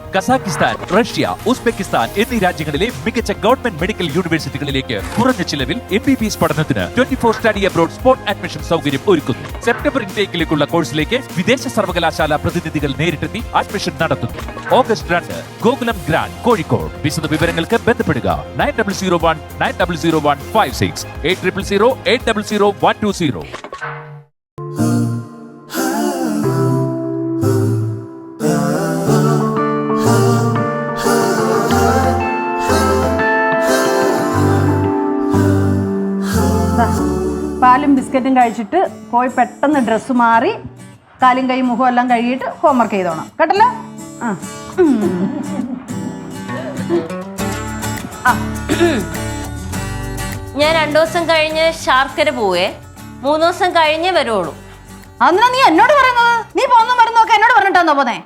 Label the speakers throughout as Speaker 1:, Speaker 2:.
Speaker 1: Kazakhstan, Russia, Uzbekistan എന്നീ രാജ്യങ്ങളിലെ മികച്ച ഗവൺമെന്റ് മെഡിക്കൽ യൂണിവേഴ്സിറ്റികളിലേക്ക് കുറഞ്ഞ ചിലവിൽ MBBS പഠനത്തിന് 24 സ്റ്റഡി അബ്രോഡ് സ്പോട്ട് അഡ്മിഷൻ സൗകര്യം ഒരുക്കുന്നു. സെപ്റ്റംബർ ഇൻടേക്കിലേക്കുള്ള കോഴ്സിലേക്ക് വിദേശ സർവകലാശാല പ്രതിനിധികൾ നേരിട്ടെത്തി അഡ്മിഷൻ നടത്തുന്നു. August 2 Gokulam grand Kozhikode. വിശദ വിവരങ്ങൾക്ക് ബന്ധപ്പെടുക 9001900156 8000800120.
Speaker 2: പാലും ബിസ്ക്കറ്റും കഴിച്ചിട്ട് പോയി പെട്ടെന്ന് ഡ്രസ്സ് മാറി കാലും കൈ മുഖം എല്ലാം കഴുകിയിട്ട് ഹോംവർക്ക് ചെയ്തോണം കേട്ടല്ലോ.
Speaker 3: ഞാൻ 2 ദിവസം കഴിഞ്ഞ് ശാർക്കര പോവേ, 3 ദിവസം കഴിഞ്ഞേ വരുള്ളൂ.
Speaker 2: അന്നാ നീ എന്നോട് പറയുന്നത്? നീ പോന്ന മരുന്നൊക്കെ എന്നോട് പറഞ്ഞിട്ടാന്നോ പോന്നെ?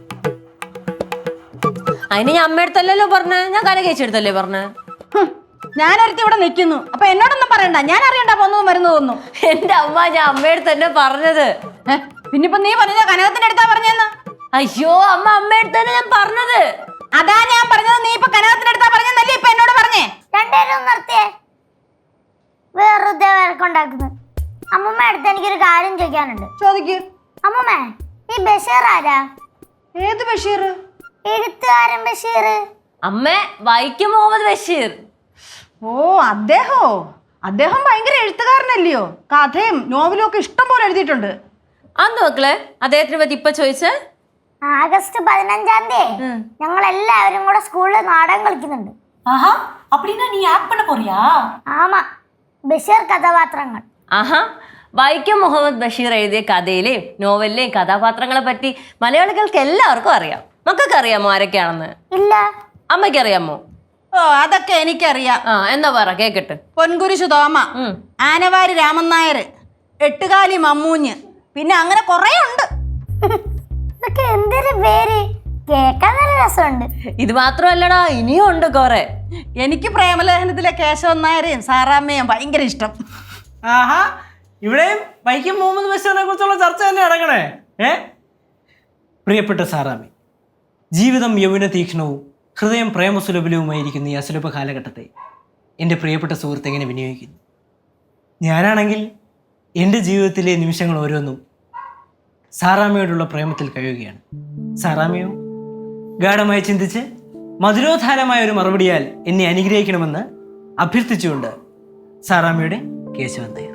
Speaker 3: അതിന് ഞാൻ അമ്മയടുത്തല്ലോ പറഞ്ഞേ, ഞാൻ കരകേച്ചെടുത്തല്ലേ പറഞ്ഞേ.
Speaker 2: ഞാനൊരുത്തി ഇവിടെ നിൽക്കുന്നു, അപ്പൊ എന്നോടൊന്നും പറയണ്ട. ഞാൻ അറിയണ്ട പോന്നു മരുന്ന് തോന്നു.
Speaker 3: എന്റെ അമ്മ, ഞാൻ അമ്മയടുത്ത് തന്നെ പറഞ്ഞത്.
Speaker 2: പിന്നിപ്പൊ നീ പറഞ്ഞ കനകത്തിന്റെ അടുത്താ പറഞ്ഞെന്ന്?
Speaker 3: അയ്യോ അമ്മ, അമ്മയടുത്ത് തന്നെ ഞാൻ പറഞ്ഞത്.
Speaker 2: അതാ ഞാൻ പറഞ്ഞത്. നീ ഇപ്പൊ കനകത്തിന്റെ അടുത്താ പറഞ്ഞല്ലേ ഇപ്പൊ എന്നോട് പറഞ്ഞേ?
Speaker 4: രണ്ടുപേരും നിർത്തിയേ, വെറുതെ വഴക്കുണ്ടാക്കുന്നത്. അമ്മൂമ്മ അടുത്ത് എനിക്കൊരു കാര്യം ചോദിക്കാനുണ്ട്.
Speaker 2: ചോദിക്കൂ.
Speaker 4: അമ്മൂമ്മ, ഈ ബഷീർ ആരാ?
Speaker 2: ഏത് ബഷീർ?
Speaker 4: എഴുത്തുകാരൻ ബഷീർ.
Speaker 3: അമ്മ, വൈക്കം മുഹമ്മദ് ബഷീർ.
Speaker 2: ഓ, അദ്ദേഹം ഭയങ്കര എഴുത്തുകാരനല്ലയോ? കഥയും നോവലും ഒക്കെ ഇഷ്ടം പോലെ എഴുതിയിട്ടുണ്ട്.
Speaker 3: അന്ന് മക്കളെ അദ്ദേഹത്തിനെ പറ്റി ഇപ്പൊ ചോദിച്ചേ?
Speaker 4: ആഗസ്റ്റ് 15-ാം തീയതി ഞങ്ങൾ എല്ലാവരും കൂടെ സ്കൂളിൽ നാടകം കളിക്കുന്നുണ്ട്.
Speaker 5: ആഹാ, அப்படினா நீ ஆக்ட் பண்ண போறியா?
Speaker 4: ആമാ, ബഷീർ കഥാപാത്രങ്ങൾ.
Speaker 3: ആഹാ, വൈക്കം മുഹമ്മദ് ബഷീർ എഴുതിയ കഥയിലെയും നോവലിലെയും കഥാപാത്രങ്ങളെ പറ്റി മലയാളികൾക്ക് എല്ലാവർക്കും അറിയാം. മക്കൾക്ക് അറിയാമോ ആരൊക്കെയാണെന്ന്?
Speaker 4: ഇല്ല.
Speaker 3: അമ്മയ്ക്ക് അറിയാമോ?
Speaker 2: ഓ, അതൊക്കെ എനിക്കറിയാം.
Speaker 3: എന്താ പറ കേക്കട്ടെ.
Speaker 2: പൊൻകുരിശു തോമ, ആനവാരി രാമൻ നായർ, എട്ടുകാലി മമ്മൂഞ്ഞ്, പിന്നെ അങ്ങനെ കൊറേ ഉണ്ട്.
Speaker 4: ഇതൊക്കെ എന്തൊരു പേര്, കേൾക്കാൻ നല്ല രസമുണ്ട്.
Speaker 3: ഇത് മാത്രമല്ലടാ, ഇനിയും ഉണ്ട് കൊറേ.
Speaker 2: എനിക്ക് പ്രേമലേഖനത്തിലെ കേശവൻ നായരെയും സാറാമ്മയും ഭയങ്കര ഇഷ്ടം.
Speaker 6: ആഹാ, ഇവിടെയും വൈക്കം മുഹമ്മദ് ബഷീറിനെ കുറിച്ചുള്ള ചർച്ച തന്നെ നടക്കണേ. പ്രിയപ്പെട്ട സാറാമ്മി, ജീവിതം യൗവന തീക്ഷ്ണവും ഹൃദയം പ്രേമസുലഭലവുമായിരിക്കുന്ന ഈ അസുലഭ കാലഘട്ടത്തെ എൻ്റെ പ്രിയപ്പെട്ട സുഹൃത്ത് എങ്ങനെ വിനിയോഗിക്കുന്നു? ഞാനാണെങ്കിൽ എൻ്റെ ജീവിതത്തിലെ നിമിഷങ്ങൾ ഓരോന്നും സാറാമ്മയോടുള്ള പ്രേമത്തിൽ കഴിയുകയാണ്. സാറാമ്മയോ ഗാഢമായി ചിന്തിച്ച് മധുരോധാരമായ ഒരു മറുപടിയാൽ എന്നെ അനുഗ്രഹിക്കണമെന്ന് അഭ്യർത്ഥിച്ചുകൊണ്ട് സാറാമ്മയുടെ കേശവൻ നായർ.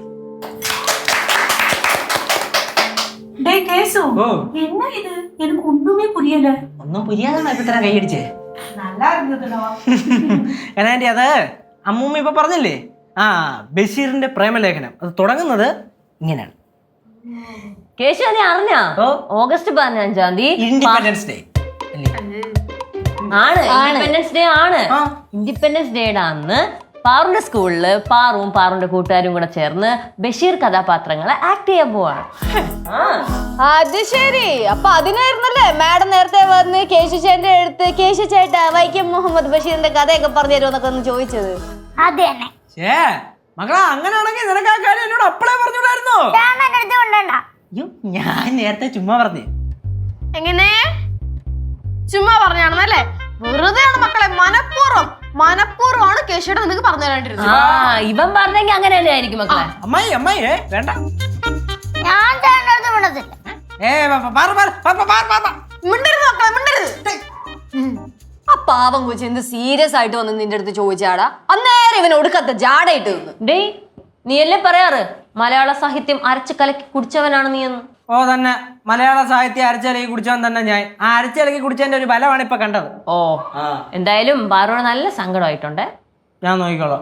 Speaker 5: டேய் கேசு, என்ன இது? எனக்கு ஒண்ணுமே புரியல.
Speaker 6: ഒന്നും പുരിയാതാണ് ഇപ്പൊ ഇത്ര കൈയടിച്ചേ.
Speaker 5: நல்லா இருந்ததுடா.
Speaker 6: കനാൻറ്റി, അത് അമ്മൂമ്മ ഇപ്പൊ പറഞ്ഞില്ലേ, ബഷീറിന്റെ പ്രേമലേഖനം അത് തുടങ്ങുന്നത് ഇങ്ങനെയാണ്.
Speaker 3: കേശു, നീ അറിഞ്ഞാ ഓഗസ്റ്റ് 15-ാം തീയതി
Speaker 6: ഇൻഡിപെൻഡൻസ് ഡേ
Speaker 3: ആണ്. ഇൻഡിപെൻഡൻസ് ഡേ ആണ്. ഇൻഡിപെൻഡൻസ് ഡേയുടെ അന്ന് പാറുന്റെ സ്കൂളില് പാറുവും പാറുന്റെ കൂട്ടുകാരും കൂടെ ചേർന്ന് ബഷീർ കഥാപാത്രങ്ങളെ ആക്ട് ചെയ്യാൻ പോവാണ്.
Speaker 7: അത് ശരി. അപ്പൊ അതിനായിരുന്നല്ലേ മാഡം നേരത്തെ വന്ന് കേശു ചേട്ടന്റെ അടുത്ത് കേശു ചേട്ടാ വൈക്കം മുഹമ്മദ് ബഷീറിന്റെ കഥയൊക്കെ പറഞ്ഞു തരുമെന്നൊക്കെ ഒന്ന് ചോദിച്ചത്?
Speaker 4: അത് തന്നെ.
Speaker 6: മകളാ, അങ്ങനെയാണെങ്കിൽ നിനക്ക് ആ കാര്യം എന്നോട് അപ്പളേ പറഞ്ഞുകൂടായിരുന്നോ? അയ്യോ, ഞാൻ നേരത്തെ ചുമ്മാ പറഞ്ഞേ.
Speaker 7: എങ്ങനെ ചുമ്മാ പറഞ്ഞാണെന്നല്ലേ? വെറുതെയാണ് മക്കളെ, മനഃപൂർവ്വമാണ് കേശുടെ നിനക്ക് പറഞ്ഞു തരാണ്ടിരുന്നത്.
Speaker 3: ഇവൻ പറഞ്ഞെങ്കിൽ അങ്ങനെ തന്നെ ആയിരിക്കും മക്കളെ.
Speaker 6: അമ്മായി വേണ്ട,
Speaker 4: ഞാൻ ചേട്ടനടുത്ത് വിടത്തില്ല.
Speaker 7: മിണ്ടരുത് മക്കളെ, മിണ്ടരുത്. ആ പാവം കൊച്ചു എന്ത് സീരിയസ് ആയിട്ട് വന്ന് നിന്റെ അടുത്ത് ചോദിച്ചാടാ? അന്നേരം ഇവൻ ഒടുക്കത്തെ ജാടയിട്ട് നിന്ന്.
Speaker 3: ഡേയ്, നീ അല്ലേ പറയാറ് മലയാള സാഹിത്യം അരച്ച് കലക്കി കുടിച്ചവനാണ് നീ എന്ന്?
Speaker 6: ഓ തന്നെ, മലയാള സാഹിത്യം അരച്ചിലക്കി കുടിച്ചവൻ തന്നെ ഞാൻ. ആ അരച്ചിലക്കി കുടിച്ചതിന്റെ ഒരു ബലമാണ് ഇപ്പൊ കണ്ടത്.
Speaker 3: ഓ, എന്തായാലും പാറുവിന് നല്ല സങ്കടമായിട്ടുണ്ട്.
Speaker 6: ഞാൻ നോക്കിക്കോളാം.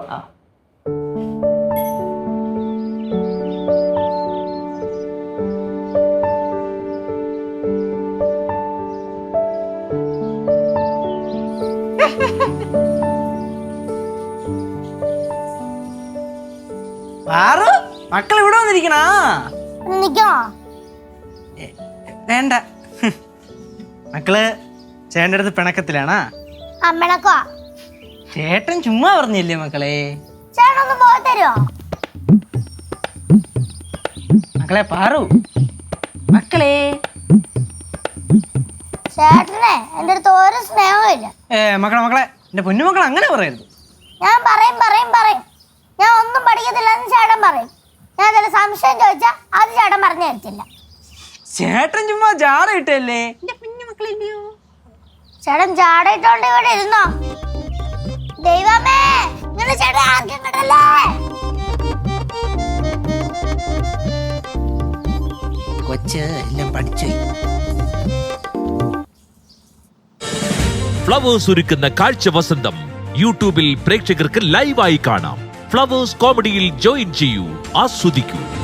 Speaker 6: പാറു, മക്കൾ ഇവിടെ വന്നിരിക്കണ?
Speaker 4: നിക്കണോ?
Speaker 6: വേണ്ട, മക്കള് ചേട്ടൻ്റെ അടുത്ത് പിണക്കത്തിലാണാ?
Speaker 4: അമ്മണക്കോ?
Speaker 6: ചേട്ടൻ ചുമ്മാ പറഞ്ഞില്ലേ മക്കളെ?
Speaker 4: ചേട്ടനൊന്ന് പോയി തരുമോ?
Speaker 6: മക്കളെ പാറു, മക്കളെ
Speaker 4: ചേട്ടനെ എൻ്റെ അടുത്ത് ഒരു സ്നേഹവും ഇല്ല.
Speaker 6: മക്കളെ എന്റെ പൊന്നുമക്കൾ അങ്ങനെ പറയരുത്.
Speaker 4: ഞാൻ പറയും ഞാൻ ഒന്നും പഠിക്കത്തില്ലെന്ന് ചേട്ടൻ പറയും. ഞാൻ അതിൽ സംശയം ചോദിച്ചാൽ അത് ചേട്ടൻ പറഞ്ഞു തരത്തില്ല.
Speaker 6: ചേട്ടൻ ചുമ്മാ ജാട ഇട്ടല്ലേ.
Speaker 4: ചേട്ടൻ ചാടയിട്ടോണ്ട് ഇവിടെ ഇരുന്നോ? ദൈവമേ, ഇങ്ങനെ ചേട്ടൻ ആർക്കും കിട്ടല്ലേ?
Speaker 6: കൊച്ച് എല്ലാം പഠിച്ചു.
Speaker 1: ഫ്ലവേഴ്സ് ഒരുക്കുന്ന കാഴ്ച വസന്തം യൂട്യൂബിൽ പ്രേക്ഷകർക്ക് ലൈവായി കാണാം. ഫ്ലവേഴ്സ് കോമഡിയിൽ ജോയിൻ ചെയ്യൂ, ആസ്വദിക്കൂ.